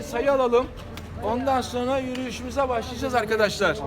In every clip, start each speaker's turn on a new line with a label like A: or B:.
A: sayı alalım. Ondan sonra yürüyüşümüze başlayacağız arkadaşlar.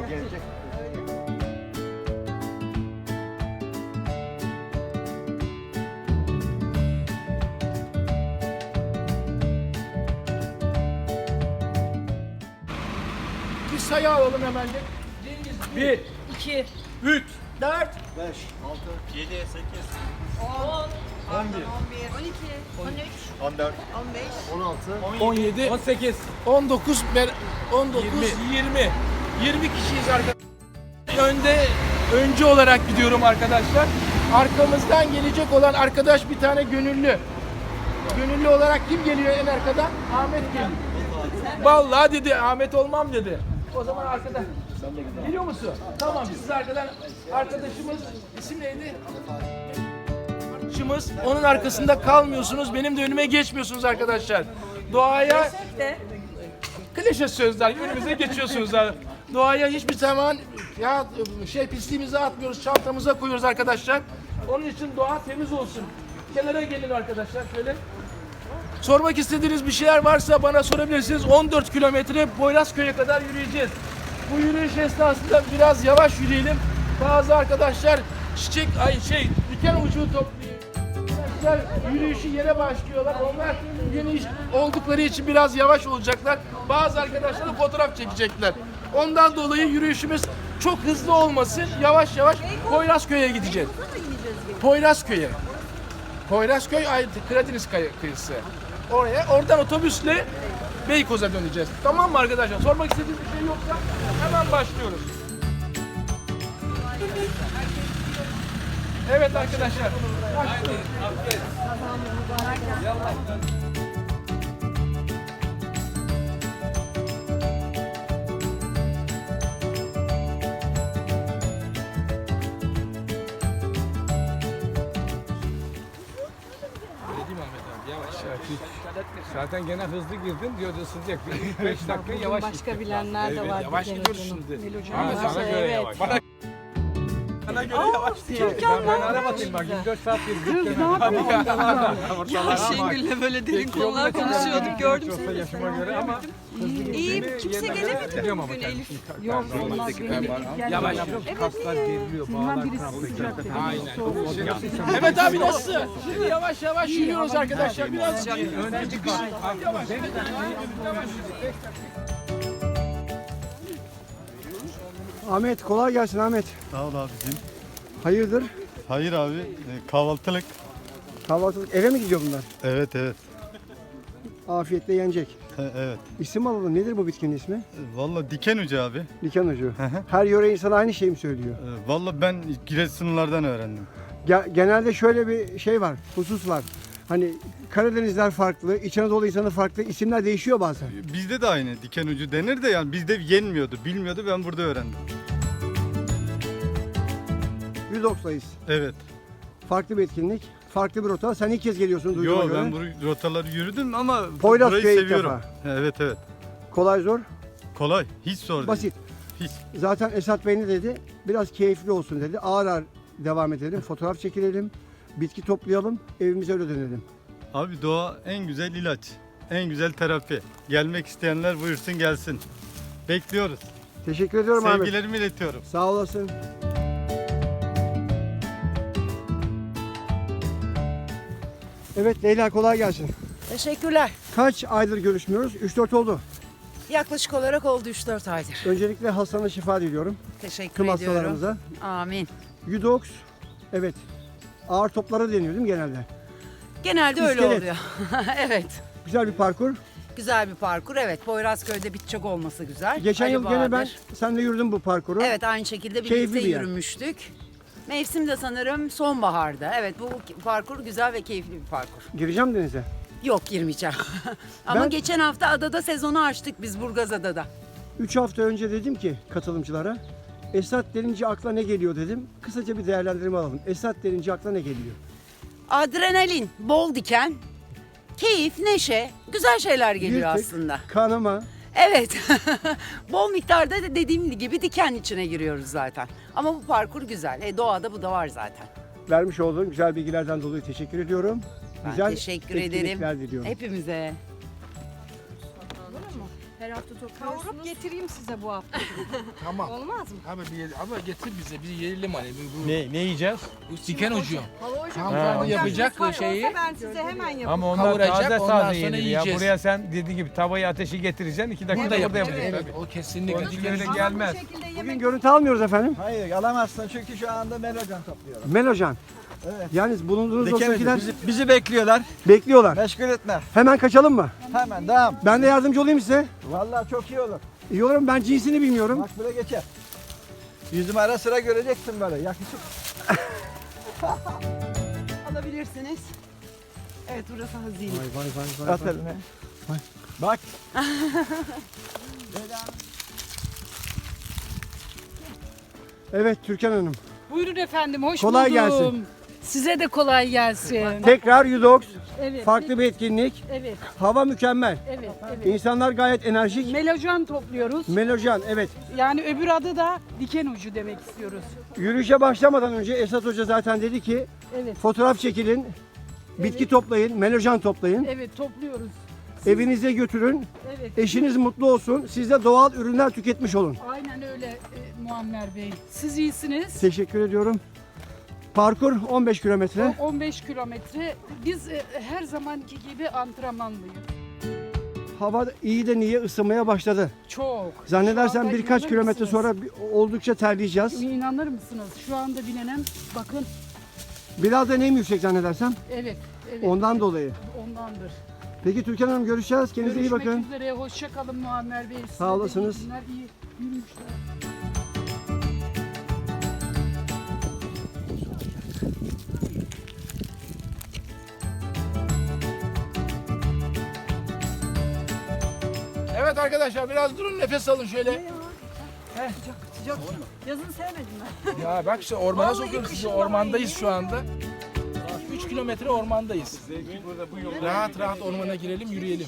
A: Bir sayı alalım hemen de. 1,
B: 2,
A: 3, 4,
C: 7, 8,
B: 10, 11, 12, 13,
C: 14,
B: 15,
A: 17,
D: 18.
A: 19, 19, 20. 20 kişiyiz arkadaşlar. Önce olarak gidiyorum arkadaşlar. Arkamızdan gelecek olan arkadaş bir tane gönüllü. Gönüllü olarak kim geliyor en arkadan? Ahmet geliyor. Vallahi dedi, Ahmet olmam dedi. O zaman arkadan. Geliyor musun? Tamam, siz arkadan arkadaşımız, isim neydi? Arkadaşımız, onun arkasında kalmıyorsunuz, benim de önüme geçmiyorsunuz arkadaşlar. Doğaya
B: de
A: klişe sözler, önümüze geçiyorsunuz. Doğaya hiçbir zaman ya pisliğimize atmıyoruz, çantamıza koyuyoruz arkadaşlar. Onun için doğa temiz olsun. Kenara gelin arkadaşlar şöyle. Sormak istediğiniz bir şeyler varsa bana sorabilirsiniz. 14 kilometre Poyrazköy'e kadar yürüyeceğiz. Bu yürüyüş esnasında biraz yavaş yürüyelim. Bazı arkadaşlar diken ucu topluyor. Arkadaşlar yürüyüşü yere başlıyorlar. Onlar yeni oldukları için biraz yavaş olacaklar. Bazı arkadaşlar da fotoğraf çekecekler. Ondan dolayı yürüyüşümüz çok hızlı olmasın. Yavaş yavaş Poyrazköy'e gideceğiz. Poyrazköy'e. Poyrazköy Karadeniz kıyısı. Oradan otobüsle Beykoz'a döneceğiz. Tamam mı arkadaşlar? Sormak istediğiniz bir şey yoksa hemen başlıyoruz. Evet arkadaşlar. Başlıyoruz.
D: Zaten gene hızlı girdin diyordu ısınacak. 5 dakika yavaş git.
B: başka bilenler de var.
A: Yavaş gidiyoruz şimdi.
D: Ama sana göre yavaş.
A: Bana göre yavaş değil.
D: Ben ara bakayım bak 24 saat yürüdük.
B: Ya Şengül'le böyle derin konular konuşuyorduk, gördüm
D: Olsa
B: seni.
D: yaşıma göre ama
B: İyiyim, kimse gelemedi mi bugün Elif? Yok, olmaz benim
A: Yavaş.
D: kaslar geriliyor, bağlar kramplı.
A: Aynen. Evet abi nasılsın? Şimdi yavaş yavaş yürüyoruz arkadaşlar. Biraz
D: Önce bir yavaş.
E: Ahmet kolay gelsin Ahmet.
C: Sağ ol abicim.
E: Hayırdır?
C: Hayır abi, kahvaltılık.
E: Kahvaltılık eve mi gidiyor bunlar?
C: Evet, evet.
E: Afiyetle yenecek.
C: Evet.
E: İsim alalım. Nedir bu bitkinin ismi?
C: Valla diken ucu abi.
E: Diken ucu.
C: hı.
E: Her yöre insan aynı şeyi mi söylüyor?
C: Valla ben Giresunlulardan öğrendim.
E: Genelde şöyle bir şey var, husus var. Hani Karadenizler farklı, İç Anadolu insanı farklı, isimler değişiyor bazen.
C: Bizde de aynı diken ucu denir de yani bizde yenmiyordu, bilmiyordu, ben burada öğrendim.
E: 190'dayız.
C: Evet.
E: Farklı bir etkinlik, farklı bir rota. Sen ilk kez geliyorsun duyduğuma
C: Yo
E: göre.
C: ben bu rotaları yürüdüm ama
E: Poyrazköy'e
C: burayı
E: ilk
C: seviyorum.
E: defa.
C: Evet, evet.
E: Kolay zor,
C: Kolay, hiç zor değil.
E: basit.
C: Hiç.
E: Zaten Esat Bey ne dedi? Biraz keyifli olsun dedi. Ağır ağır devam edelim, fotoğraf çekilelim, bitki toplayalım, evimize öyle dönelim.
C: Abi doğa en güzel ilaç, en güzel terapi. Gelmek isteyenler buyursun gelsin. Bekliyoruz.
E: Teşekkür ediyorum Ahmet.
C: Sevgilerimi iletiyorum.
E: Sağ olasın. Evet Leyla kolay gelsin.
F: Teşekkürler.
E: Kaç aydır görüşmüyoruz? 3-4 oldu.
F: Yaklaşık olarak oldu 3-4 aydır.
E: Öncelikle hastana şifa diliyorum.
F: Teşekkür
E: Tüm
F: ediyorum.
E: hastalarımıza.
F: Amin.
E: Yudox, evet. Ağır toplara deniyor değil mi genelde?
F: Genelde öyle
E: İskelet.
F: oluyor. Evet.
E: Güzel bir parkur.
F: Güzel bir parkur. Evet. Poyrazköy'de bitecek olması güzel.
E: Geçen
F: Ali
E: yıl gene ben
F: Bahadır.
E: seninle yürüdüm bu parkuru.
F: Evet, aynı şekilde
E: Keyifli
F: birlikte
E: bir yer.
F: yürümüştük. Mevsim de sanırım sonbaharda. Evet, bu parkur güzel ve keyifli bir parkur.
E: Gireceğim denize.
F: Yok, girmeyeceğim. Ama
E: Ben-
F: geçen hafta adada sezonu açtık biz, Burgazada'da.
E: 3 hafta önce dedim ki katılımcılara, Esat denince akla ne geliyor dedim. Kısaca bir değerlendirme alalım. Esat denince akla ne geliyor?
F: Adrenalin, bol diken, keyif, neşe, güzel şeyler geliyor
E: Yırtık,
F: aslında.
E: kanama.
F: Evet. Bol miktarda da dediğim gibi diken içine giriyoruz zaten. Ama bu parkur güzel. Doğada bu da var zaten.
E: Vermiş olduğun güzel bilgilerden dolayı teşekkür ediyorum.
F: Ben
E: Güzel
F: teşekkür
E: etkinlikler
F: ederim.
E: diliyorum.
F: Hepimize.
B: hafta topluyorsunuz?
G: Kavurup getireyim size bu hafta.
A: Tamam.
G: Olmaz mı?
A: Ama getir bize bir yiyelim hani.
D: Ne yiyeceğiz?
A: Bu diken ucu. Tamam
D: Ha.
A: tamam yapacak
G: Var
A: şeyi.
G: olsa ben size hemen yaparım.
D: Ama onlar
A: Kavuracak,
D: taze
A: ondan sonra
D: taze yenir ya.
A: yiyeceğiz.
D: Buraya sen dediğin gibi tavayı ateşi getireceksin. 2 dakika
A: Burada
D: burada
A: yapacak.
D: yapacaksın.
A: Evet, o kesinlikle.
D: Onun için
A: Diken
D: öyle
A: ucu.
D: gelmez.
G: Bu şekilde
E: Bugün
G: yemek
E: görüntü almıyoruz efendim.
H: Hayır alamazsın çünkü şu anda melocan topluyorum.
E: Melocan.
H: Evet.
E: Yalnız bulunduğunuz
H: Dikemedim.
E: dosttakiler
H: Bizi bekliyorlar.
E: bekliyorlar.
H: Meşgul etme.
E: Hemen kaçalım mı?
H: Hemen devam.
E: Ben de yardımcı olayım size.
H: Vallahi çok iyi olur.
E: İyi olur mu? Ben cinsini bilmiyorum.
H: Bak böyle geçer. Yüzümü ara sıra göreceksin böyle yakışık.
F: Alabilirsiniz. Evet burası hazine.
E: Vay vay vay vay.
H: At elini. Bak.
E: Evet Türkan Hanım.
I: Buyurun efendim, hoş
E: Kolay
I: buldum.
E: gelsin.
I: Size de kolay gelsin.
E: Tekrar Yudox.
I: Evet,
E: Farklı bir etkinlik.
I: evet,
E: Hava mükemmel.
I: evet, evet.
E: İnsanlar gayet enerjik.
I: Melojan topluyoruz.
E: Melojan evet.
I: Yani öbür adı da diken ucu demek istiyoruz.
E: Yürüyüşe başlamadan önce Esat Hoca zaten dedi ki
I: Evet,
E: fotoğraf çekilin, bitki toplayın, melojan toplayın,
I: evet topluyoruz.
E: evinize götürün,
I: Evet,
E: eşiniz mutlu olsun, siz de doğal ürünler tüketmiş olun.
I: aynen öyle Muammer Bey. Siz iyisiniz.
E: Teşekkür ediyorum. Parkur 15 kilometre.
I: 15 kilometre. Biz her zamanki gibi antrenmanlıyız.
E: Hava iyi de niye ısınmaya başladı.
I: Çok.
E: Zannedersem
I: Şu anda
E: birkaç
I: inanır
E: kilometre
I: mısınız?
E: sonra oldukça terleyeceğiz.
I: İnanır mısınız? Şu anda bilenen, bakın,
E: Biraz da nem yüksek zannedersem.
I: evet, evet.
E: Ondan dolayı.
I: Ondandır.
E: Peki Türkan Hanım görüşeceğiz. Kendinize iyi
I: Görüşmek
E: bakın.
I: üzere. Hoşça kalın Muammer Bey. Size
E: Sağ
I: de
E: olasınız.
I: iyi günler, iyi yürüyüşler.
A: Evet arkadaşlar biraz durun nefes alın şöyle.
G: yazın sevmedim ben.
A: Ya bak işte ormana sokuyoruz sizi. Ormandayız şu anda. 3 kilometre ormandayız. Rahat rahat ormana girelim yürüyelim.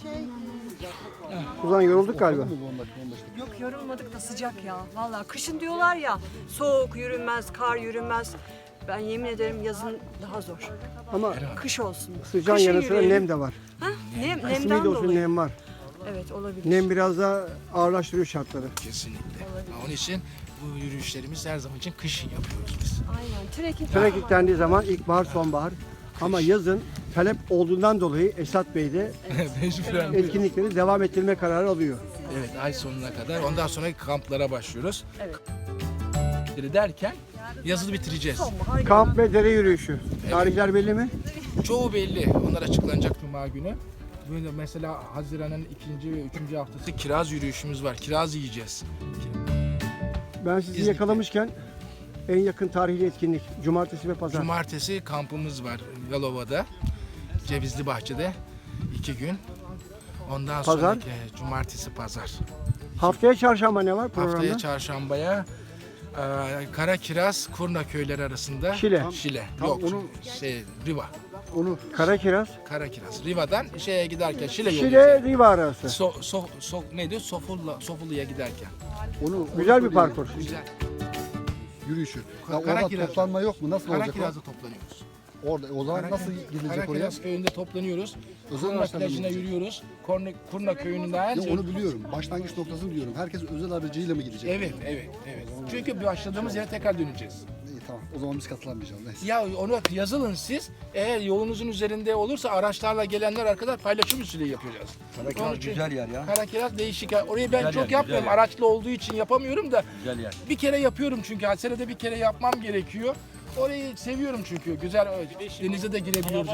E: Suzan yorulduk galiba.
B: Yok yorulmadık da sıcak ya. Vallahi kışın diyorlar ya soğuk yürünmez, kar yürünmez. Ben yemin ederim yazın daha zor.
E: Ama
B: Kış olsun.
E: sıcağın
B: Kışın
E: yanı sıra
B: yürüyelim.
E: nem de var.
B: Ha?
E: Kısmi
B: Nemden
E: de olsun
B: dolayı.
E: nem var.
B: Evet olabilir.
E: Nem biraz daha ağırlaştırıyor şartları.
A: Kesinlikle. Onun için bu yürüyüşlerimiz her zaman için kışın yapıyoruz biz.
B: Aynen. Trekking.
E: Trekking dendiği zaman ilkbahar, sonbahar. Ama yazın talep olduğundan dolayı Esat Bey de
A: Mecburen.
E: etkinlikleri devam ettirme kararı alıyor.
A: Evet ay sonuna kadar. Ondan sonra kamplara başlıyoruz. Derken yazılı bitireceğiz.
E: Kamp ve dere yürüyüşü. Tarihler belli mi?
A: Çoğu belli. Onlar açıklanacak Cuma günü. Böyle mesela Haziran'ın 2. ve 3. haftası kiraz yürüyüşümüz var. Kiraz yiyeceğiz.
E: Ben sizi
A: İznik'te.
E: yakalamışken en yakın tarihli etkinlik cumartesi ve pazar.
A: Cumartesi kampımız var Yalova'da. Cevizli Bahçe'de 2 gün. Ondan
E: Pazar?
A: sonraki cumartesi pazar.
E: Haftaya çarşamba ne var programda?
A: Haftaya çarşambaya Kara Kiraz Kurna köyleri arasında
E: Şile.
A: Şile. Yok. Riva.
E: Kara kiraz.
A: Kara Kiraz. Riva'dan şeye giderken Şile yolu.
E: Şile Riva arası.
A: Neydi? Sofulu'ya giderken.
E: Güzel bir parkur.
A: Güzel.
J: Yürüyüşü.
A: Kara
J: Ya orada
A: kiraz.
J: toplanma yok mu? Nasıl
A: Kara
J: olacak o?
A: Kiraz'da toplanıyoruz.
J: Orada o zaman nasıl gidilecek oraya?
A: Karakiraz köyünde toplanıyoruz.
J: Özel
A: Kurna
J: araçlarla mı
A: plajına
J: gidecek?
A: yürüyoruz. Kurna köyünden.
J: Ya onu biliyorum. Başlangıç noktasını biliyorum. Herkes özel aracıyla mı gidecek?
A: Evet. Çünkü başladığımız yere tekrar döneceğiz.
J: İyi tamam. O zaman biz katılamayacağız. Neyse.
A: Ya onu yazılın siz. Eğer yolunuzun üzerinde olursa araçlarla gelenler arkadaşlar paylaşım usulü yapacağız. Karakiraz
H: güzel yer ya.
A: Karakiraz değişik. Orayı ben
H: Güzel
A: çok
H: yer,
A: yapmıyorum.
H: güzel yer.
A: Araçlı olduğu için yapamıyorum da
H: Güzel yer.
A: bir kere yapıyorum çünkü. Senede bir kere yapmam gerekiyor. Orayı seviyorum çünkü. Güzel denize de girebiliyoruz.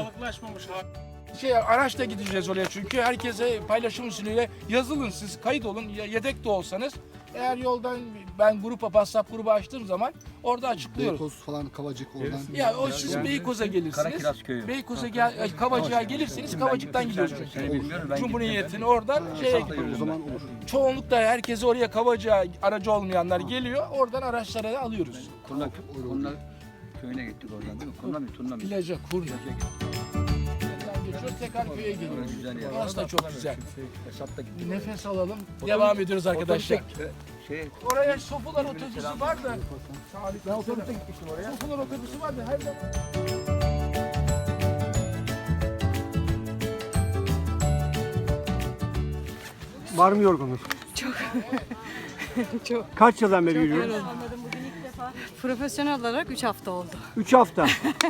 A: Araçla gideceğiz oraya çünkü. Herkese paylaşım usulüyle yazılın siz. Kayıt olun. Yedek de olsanız. Eğer yoldan ben WhatsApp grubu açtığım zaman orada açıklıyoruz.
J: Beykoz falan Kavacık oradan.
A: Ya o siz Beykoz'a gelirsiniz.
H: Karakiraz köyü.
A: Beykoz'a Kavacık'a gelirsiniz. Kavacık'tan gidiyorsunuz.
H: Seni bilmiyorum ben
A: Cumhuriyet'in oradan şeye
J: O
A: gidiyoruz.
J: zaman olur.
A: Çoğunlukla herkesi oraya Kavacık'a aracı olmayanlar geliyor. Oradan araçlara alıyoruz.
H: Kurna köyüne gittik oradan değil mi? Kurna mı? Turna mı?
A: Plaja, Kurna. Geçiyoruz tekrar köye geliyoruz.
H: Güzel yer.
A: Orası da çok güzel.
H: Hesapta gittik.
A: Nefes alalım. Devam ediyoruz arkadaşlar.
H: Şey,
A: Oraya Sofular otobüsü var da. Ben otobüse gitmiştim oraya. Sofular otobüsü var da her zaman.
E: Var mı yorgunluk? Kaç yıldan beri yürüyoruz?
G: Profesyonel olarak 3 hafta oldu.
E: 3 hafta.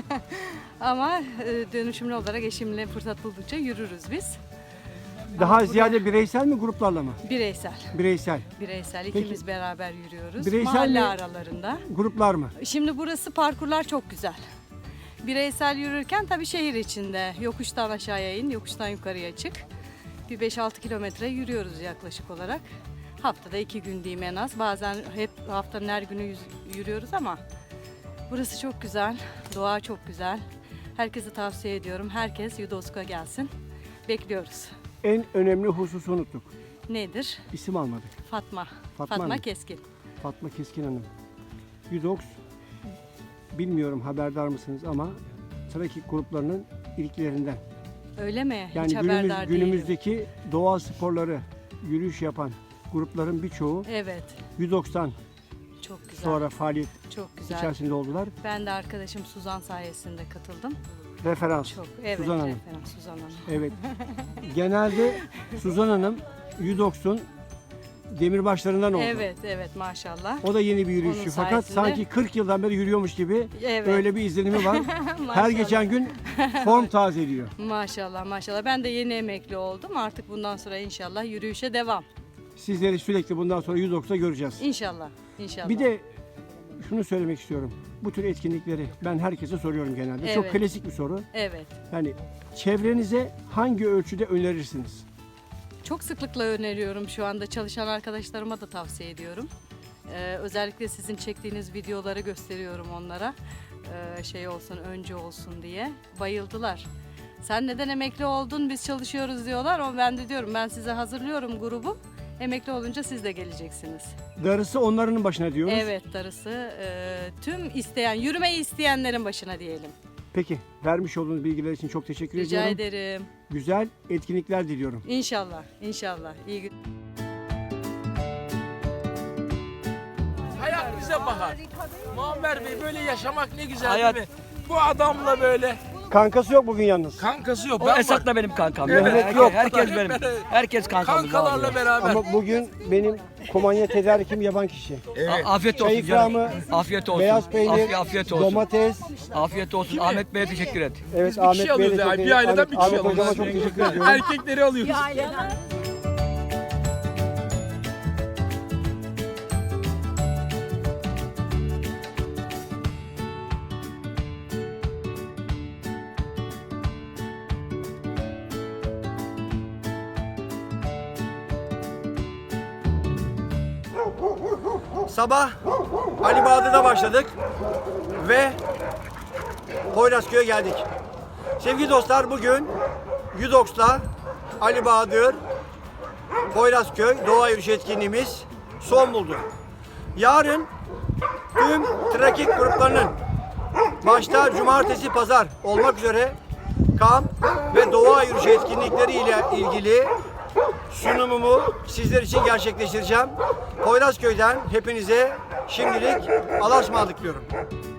G: Ama dönüşümlü olarak eşimle fırsat buldukça yürürüz biz.
E: Daha ziyade bireysel mi gruplarla mı?
G: Bireysel.
E: Bireysel.
G: Bireysel ikimiz beraber yürüyoruz.
E: Bireysel
G: Mahalle
E: mi?
G: aralarında.
E: Gruplar mı?
G: Şimdi burası parkurlar çok güzel. Bireysel yürürken tabii şehir içinde yokuştan aşağıya in, yokuştan yukarıya çık. Bir 5-6 kilometre yürüyoruz yaklaşık olarak. Haftada 2 gün diyeyim en az. Bazen hep haftanın her günü yürüyoruz ama burası çok güzel. Doğa çok güzel. Herkese tavsiye ediyorum. Herkes Yudosk'a gelsin. Bekliyoruz.
E: En önemli hususu unuttuk.
G: Nedir?
E: İsim almadık.
G: Fatma.
E: Fatma
G: Fatma
E: Hanım.
G: Keskin.
E: Fatma Keskin Hanım. Yudoks, bilmiyorum haberdar mısınız ama trakik gruplarının ilklerinden.
G: Öyle mi?
E: Yani
G: Hiç haberdar değilim.
E: günümüzdeki doğa sporları, yürüyüş yapan grupların birçoğu
G: Evet.
E: Yudoks'tan
G: Çok güzel.
E: sonra faaliyet
G: Çok güzel.
E: içerisinde oldular.
G: Ben de arkadaşım Suzan sayesinde katıldım.
E: Referans.
G: Çok. Evet.
E: Suzan Hanım.
G: referans Suzan Hanım.
E: Evet. Genelde Suzan Hanım Yudoks'un demirbaşlarından oldu.
G: Evet, evet maşallah.
E: O da yeni bir yürüyüşçü
G: Onun
E: fakat
G: sayesinde-
E: sanki 40 yıldan beri yürüyormuş gibi
G: Evet.
E: öyle bir izlenimi var. Her
G: Maşallah.
E: geçen gün form tazeliyor.
G: Maşallah, maşallah. Ben de yeni emekli oldum. Artık bundan sonra inşallah yürüyüşe devam.
E: Sizleri sürekli bundan sonra Yudoks'ta göreceğiz.
G: İnşallah, inşallah.
E: Bir de şunu söylemek istiyorum. Bu tür etkinlikleri ben herkese soruyorum genelde. Çok
G: Evet.
E: klasik bir soru.
G: Evet.
E: Yani çevrenize hangi ölçüde önerirsiniz?
G: Çok sıklıkla öneriyorum şu anda çalışan arkadaşlarıma da tavsiye ediyorum. Özellikle sizin çektiğiniz videoları gösteriyorum onlara. Şey olsun, önce olsun diye. Bayıldılar. Sen neden emekli oldun, biz çalışıyoruz diyorlar. Ama ben de diyorum, ben size hazırlıyorum grubu. Emekli olunca siz de geleceksiniz.
E: Darısı onların başına diyoruz.
G: Evet, darısı tüm isteyen, yürümeyi isteyenlerin başına diyelim.
E: Peki vermiş olduğunuz bilgiler için çok teşekkür
G: Rica
E: ediyorum.
G: ederim.
E: Güzel etkinlikler diliyorum.
G: İnşallah, inşallah. İyi gün.
A: Hayat bize bahar. Muammer Bey böyle yaşamak ne güzel değil mi? Bu adamla böyle
E: Kankası yok bugün yalnız.
A: kankası yok.
D: O Esat da benim kankam.
A: Evet.
E: Mehmet yok.
D: Herkes benim. Herkes kankamız
A: Kankalarla
D: abi.
A: beraber.
E: Ama bugün benim kumanya tedarikim yaban kişi.
D: Afiyet
E: Çay
D: olsun canım.
E: ikramı,
D: Afiyet olsun.
E: beyaz peynir,
D: Afiyet olsun.
E: domates.
D: Afiyet olsun. Ahmet Bey'e teşekkür et.
E: Evet
A: Biz bir kişi alıyoruz ya. Bir aileden bir kişi
E: Ahmet hocama
A: alıyoruz.
E: çok teşekkür ediyorum.
A: Erkekleri alıyoruz.
E: Sabah Ali Bağdı'da başladık ve Poyrazköy'e geldik. Sevgili dostlar, bugün Yudoks'ta Ali Bahadır Poyrazköy doğa yürüyüşü etkinliğimiz son buldu. Yarın tüm trekking gruplarının başta cumartesi, pazar olmak üzere kamp ve doğa yürüyüşü etkinlikleri ile ilgili sunumumu sizler için gerçekleştireceğim. Poyrazköy'den hepinize şimdilik Allah'a ısmarladık diyorum.